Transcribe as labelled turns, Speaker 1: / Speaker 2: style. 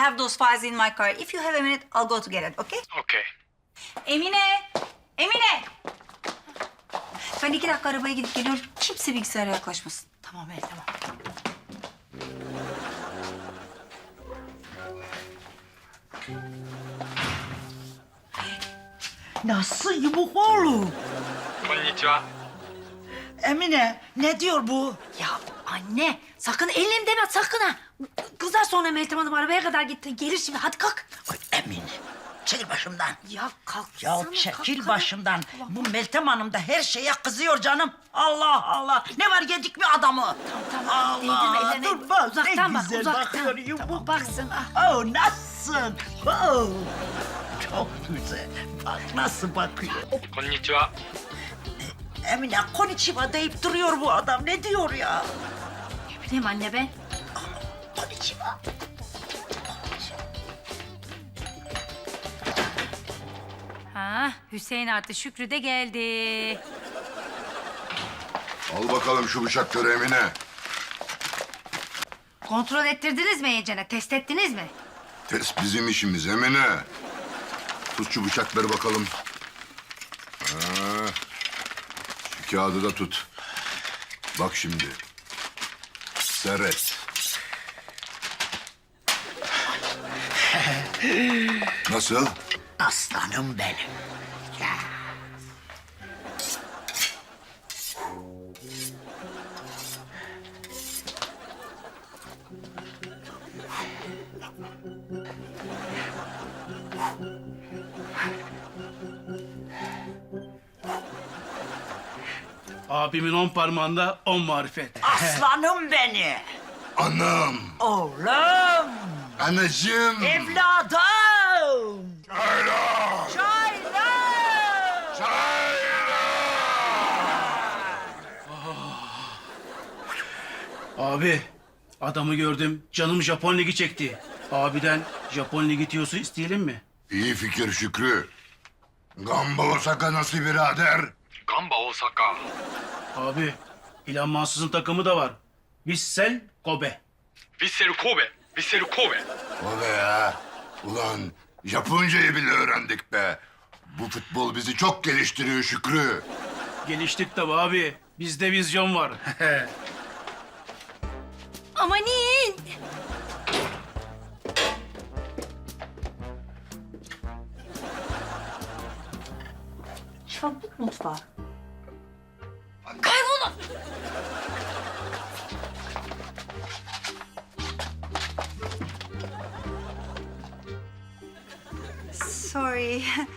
Speaker 1: have those files in my car. If you have a minute, I'll go to get it, okay?
Speaker 2: Okay.
Speaker 1: Emine! Emine! Ben 2 dakika arabaya gidip geliyorum. Kimse bilgisayara yaklaşmasın.
Speaker 3: Tamam el tamam. Nasıl yumuk oğlum?
Speaker 2: こんにちは。
Speaker 3: Emine ne diyor bu?
Speaker 4: Ya anne sakın ellim deme sakın ha. Kızar sonra Meltem Hanım arabaya kadar gitti. Gelir şimdi hadi kalk.
Speaker 3: Ay Emine çekil başımdan.
Speaker 4: Ya kalk.
Speaker 3: Ya çekil başımdan. Bu Meltem Hanım da her şeye kızıyor canım. Allah Allah. Ne var yedik mi adamı?
Speaker 4: Tamam değdirme
Speaker 3: Allah.
Speaker 4: ellerine.
Speaker 3: Dur bak
Speaker 4: Uzaktan
Speaker 3: ne
Speaker 4: bak
Speaker 3: güzel
Speaker 4: uzaktan.
Speaker 3: bakıyor yumuk.
Speaker 4: Tamam baksın. Ah.
Speaker 3: Oh nasılsın? Oh. Çok güzel. Bak nasıl bakıyor.
Speaker 2: こんにちは。
Speaker 3: Emine konnichiwa deyip duruyor bu adam. Ne diyor ya?
Speaker 4: Ne bileyim anne ben.
Speaker 3: Konnichiwa.
Speaker 4: Ha Hüseyin artı Şükrü de geldi.
Speaker 5: Al bakalım şu bıçakları Emine.
Speaker 4: Kontrol ettirdiniz mi iyicene? Test ettiniz mi?
Speaker 5: Test bizim işimiz Emine. Tut şu bıçakları bakalım. Ha. Şu kağıdı da tut. Bak şimdi. Seyret. Nasıl?
Speaker 3: Aslanım benim. Ya.
Speaker 6: Abimin 10 parmağında 10 marifet.
Speaker 3: Aslanım beni.
Speaker 5: Anam.
Speaker 3: Oğlum.
Speaker 5: Anacığım.
Speaker 3: Evladım.
Speaker 5: Çayla.
Speaker 3: Çaylar.
Speaker 6: Abi adamı gördüm canım Japon Ligi çekti. Abiden Japon Ligi tiyosu isteyelim mi?
Speaker 5: İyi fikir Şükrü. Gamba Osaka nasıl birader?
Speaker 2: ガンバ大阪。
Speaker 6: Abi İlhan Mansız'ın takımı da var. Vissel Kobe.
Speaker 2: ヴィッセル神戸。ヴィッセル神戸。
Speaker 5: O be ya. Ulan Japoncayı bile öğrendik be. Bu futbol bizi çok geliştiriyor Şükrü.
Speaker 6: Geliştik tabi abi. Bizde vizyon var.
Speaker 4: Amanin.
Speaker 1: Çabuk mutfağa.
Speaker 4: Kaybolun.
Speaker 1: Sorry.